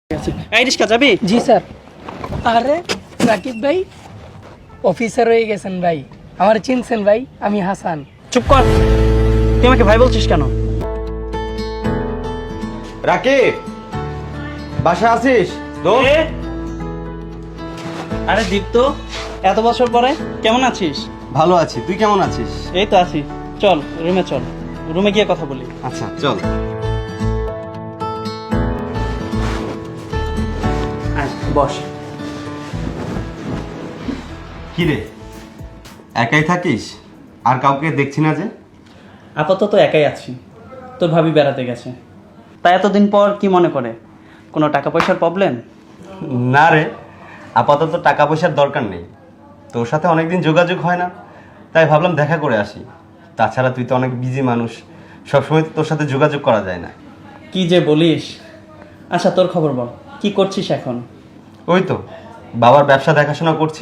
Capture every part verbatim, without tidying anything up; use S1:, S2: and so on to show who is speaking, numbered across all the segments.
S1: এই রিস্কা যাবি?
S2: জি স্যার। আরে রাকিব ভাই অফিসার হয়ে গেছেন ভাই, আমার চিনছেন ভাই? আমি হাসান।
S1: চুপ কর, তুই আমাকে ভাই বলছিস কেন?
S3: রাকিব, বাসা আছিস?
S1: এ? আরে দীপ্ত, এত বছর পরে কেমন আছিস?
S3: ভালো আছি, তুই কেমন আছিস?
S1: এই তো আছি। চল রুমে চল, রুমে গিয়ে কথা বলি।
S3: আচ্ছা চল।
S1: আয় বস।
S3: কি রে, একাই থাকিস? আর কাউকে দেখছি না যে?
S1: আপাতত একাই আছি, তোর ভাবি বেড়াতে গেছে। তাই এতদিন পর কি মনে করে, কোনো টাকা পয়সার প্রবলেম?
S3: না রে, আপাতত টাকা পয়সার দরকার নেই। তোর সাথে অনেকদিন যোগাযোগ হয় না, তাই ভাবলাম দেখা করে আসি। তাছাড়া তুই তো অনেক বিজি মানুষ, সবসময় তো তোর সাথে যোগাযোগ করা যায় না।
S1: কি যে বলিস। আচ্ছা তোর খবর বল, কি করছিস এখন?
S3: ওই তো বাবার ব্যবসা দেখাশোনা করছি।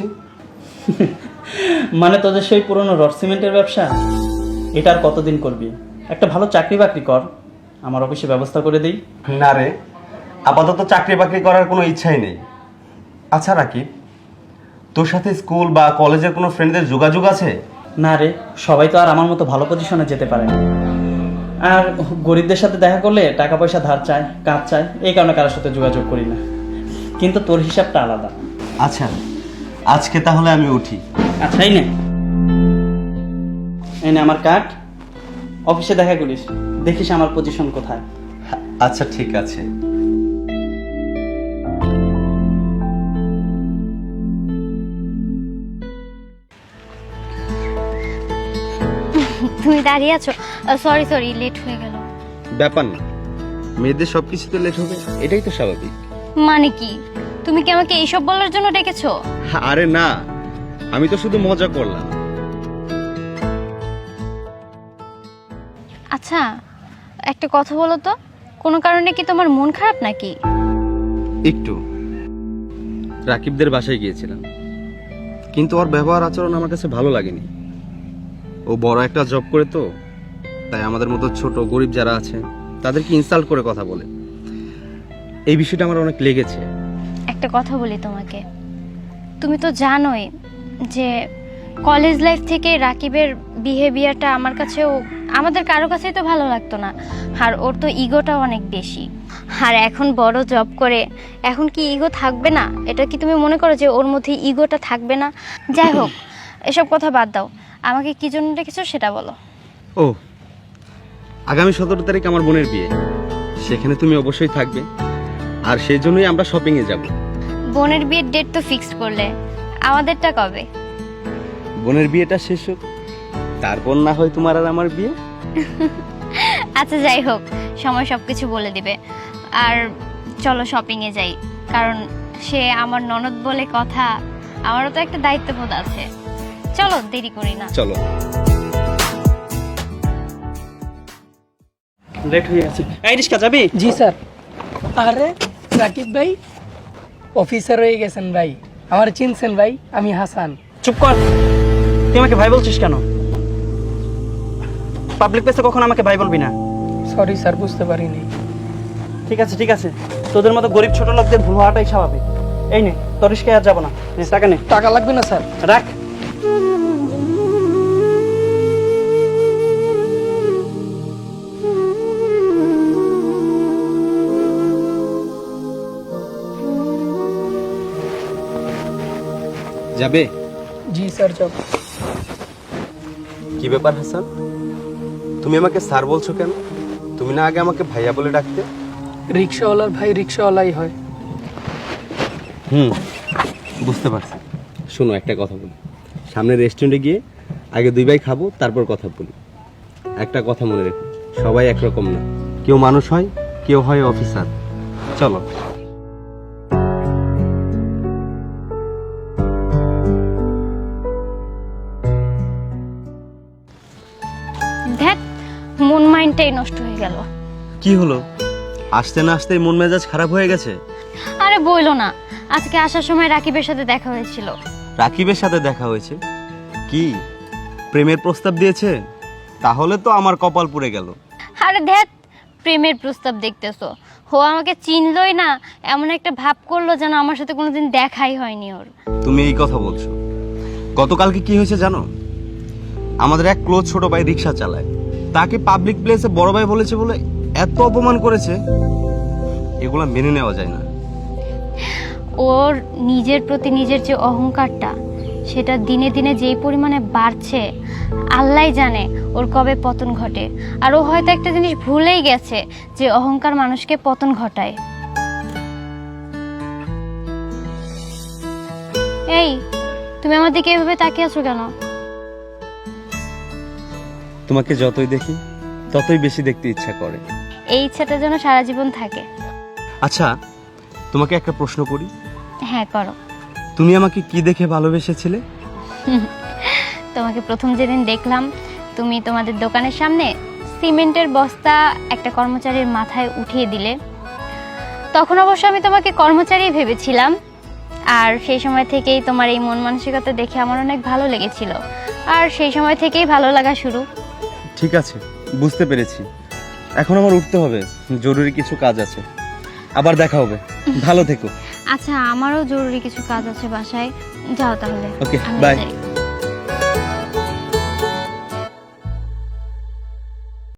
S1: মানে তোদের সেই পুরনো রড সিমেন্টের ব্যবসা, এটা আর কতদিন করবি? একটা ভালো চাকরি বাকরি কর, আমার অফিসে ব্যবস্থা করে দিই।
S3: না রে, আপাতত চাকরি বাকরি করার কোনো ইচ্ছাই নেই। আচ্ছা রাকিব, তোর সাথে স্কুল বা কলেজের কোনো ফ্রেন্ডদের যোগাযোগ আছে?
S1: না রে, সবাই তো আর আমার মতো ভালো পজিশনে যেতে পারে না। আর গরিবদের সাথে দেখা করলে টাকা পয়সা ধার চায়, কাজ চায়, এই কারণে কারোর সাথে যোগাযোগ করি না। কিন্তু তোর হিসাবটা আলাদা।
S3: আচ্ছা, আজকে তাহলে আমি উঠি।
S1: আচ্ছা এই নে, এই নে আমার কার্ড, অফিসে দেখা করিস, দেখিস আমার পজিশন কোথায়।
S3: আচ্ছা ঠিক আছে।
S4: তুমি দাঁড়িয়ে আছো? সরি সরি লেট হয়ে গেল।
S3: ব্যাপার না, মেয়েদের সব কিছুতে লেট হবে, এটাই তো স্বাভাবিক।
S4: মানে কি, তুমি কি আমাকে এইসব বলার জন্য ডেকেছো?
S3: আরে না, আমি তো শুধু মজা করলাম।
S4: আচ্ছা একটা কথা বলো তো, কোনো কারণে কি তোমার মন খারাপ নাকি?
S3: একটু রাকিবদের বাসায় গিয়েছিলাম, কিন্তু ওর ব্যবহার আচরণ আমার কাছে ভালো লাগেনি। ও বড় একটা জব করে তো, তাই আমাদের মতো ছোট গরিব যারা আছে তাদেরকে ইনসাল্ট করে কথা বলে। এই বিষয়টা আমার অনেক লেগেছে।
S4: একটা কথা বলি তোমাকে, তুমি তো জানোই যে কলেজ লাইফ থেকে রাকিবের বিহেভিয়ারটা আমার কাছেও, আমাদের কারো কাছেই তো ভালো লাগতো না। আর ওর তো ইগোটাও অনেক বেশি। আর এখন বড় জব করে, এখন কি ইগো থাকবে না? এটা কি তুমি মনে করো যে ওর মধ্যে ইগোটা থাকবে না? যাই হোক, এসব কথা বাদ দাও, আমাকে কি জন্য ডেকেছো সেটা বলো।
S3: ও, আগামী সতেরো তারিখ আমার বোনের বিয়ে, সেখানে তুমি অবশ্যই থাকবে, আর সেই জন্যই আমরা শপিংয়ে যাব।
S4: বোনের বিয়ের ডেট তো ফিক্সড করলে, আমাদেরটা কবে?
S3: বোনের বিয়েটা শেষ হোক, তারপর না হয় তোমার আর আমার বিয়ে।
S4: আচ্ছা যাই হোক, সময় সব কিছু বলে দিবে। আর চলো শপিংয়ে যাই, কারণ সে আমার ননদ বলে কথা, আমারও তো একটা দায়িত্ববোধ আছে। চলো দেরি করি না।
S3: চলো।
S1: লেট হয়ে গেছে। এই রিস্কা যাবি?
S2: জি স্যার। আরে রাকিব ভাই অফিসার হয়ে গেছেন ভাই, আমার চিনছেন ভাই? আমি হাসান।
S1: চুপ কর, তুই আমাকে ভাই বলছিস কেন? পাবলিক প্লেসে কখনো আমাকে ভাই বলবি না।
S2: সরি স্যার, বুঝতে পারিনি।
S1: ঠিক আছে ঠিক আছে, তোদের মতো গরিব ছোট লোকদের ভুল হওয়াটাই স্বাভাবিক। এই নে, তোর রিস্কায় আর যাবো না, নে টাকা নে।
S2: টাকা লাগবে না স্যার।
S1: রাখ।
S3: যাবে?
S2: জি স্যার যাব।
S3: কি ব্যাপার হাসান, তুমি আমাকে স্যার বলছো কেন? তুমি না আগে আমাকে ভাইয়া বলে ডাকতে?
S2: রিক্সাওয়ালার ভাই রিক্সাওয়ালাই হয়।
S3: হুম, বুঝতে পারছি। শোনো, একটা কথা বলি, সামনে রেস্টুরেন্টে গিয়ে আগে দুই ভাই খাবো, তারপর কথা বলি। একটা কথা মনে রেখো, সবাই একরকম না, কেউ মানুষ হয়, কেউ হয় অফিসার। চলো।
S4: ধ্যাত, মন মাইন্ডটাই নষ্ট হয়ে গেল।
S3: কি হলো, আসতে না আসতেই মন মেজাজ খারাপ হয়ে গেছে?
S4: আরে বইলো না, আজকে আসার সময় রাকিবের সাথে দেখা হয়েছিল।
S3: রাকিবের সাথে দেখা হয়েছে? কি প্রেমের প্রস্তাব দিয়েছে? তাহলে তো আমার কপাল পুড়ে গেল।
S4: আরে ধ্যাত, প্রেমের প্রস্তাব দেখতেছো। ও আমাকে চিনলই না, এমন একটা ভাব করলো যেন আমার সাথে কোনোদিন দেখাই হয়নি ওর।
S3: তুমি এই কথা বলছো? গতকালকে কি হয়েছে জানো? আমাদের এক ক্লোজ ছোট ভাই রিক্সা চালায়, তাকে পাবলিক প্লেসে বড় ভাই বলেছে বলে এত অপমান করেছে, এগুলা মেনে নেওয়া যায় না।
S4: ওর নিজের প্রতি নিজের যে অহংকারটা, সেটা দিনে দিনে যেই পরিমাণে বাড়ছে, আল্লাহই জানে ওর কবে পতন ঘটে। আর ও হয়তো একটা জিনিস ভুলেই গেছে যে অহংকার মানুষকে পতন ঘটায়। এই, তুমি আমার দিকে এভাবে তাকিয়ে আছো কেন?
S3: তোমাকে যতই দেখি ততই বেশি দেখতে ইচ্ছা করে।
S4: এই ইচ্ছাটা যেন সারা জীবন থাকে।
S3: আচ্ছা, তোমাকে একটা প্রশ্ন করি।
S4: হ্যাঁ, করো।
S3: তুমি আমাকে কি দেখে ভালোবেসেছিলে?
S4: তোমাকে প্রথম যেদিন দেখলাম, তুমি তোমাদের দোকানের সামনে সিমেন্টের বস্তা একটা কর্মচারীর মাথায় উঠিয়ে দিলে, তখন অবশ্য আমি তোমাকে কর্মচারী ভেবেছিলাম। আর সেই সময় থেকেই তোমার এই মন মানসিকতা দেখে আমার অনেক ভালো লেগেছিল, আর সেই সময় থেকেই ভালো লাগা শুরু।
S3: ঠিক আছে, বুঝতে পেরেছি। এখন আমার উঠতে হবে, জরুরি কিছু কাজ আছে। আবার দেখা হবে, ভালো থেকো।
S4: আচ্ছা, আমারও জরুরি কিছু কাজ আছে বাসায়, যাও তাহলে।
S3: ওকে,
S4: আমি
S3: বাই।
S4: যাই।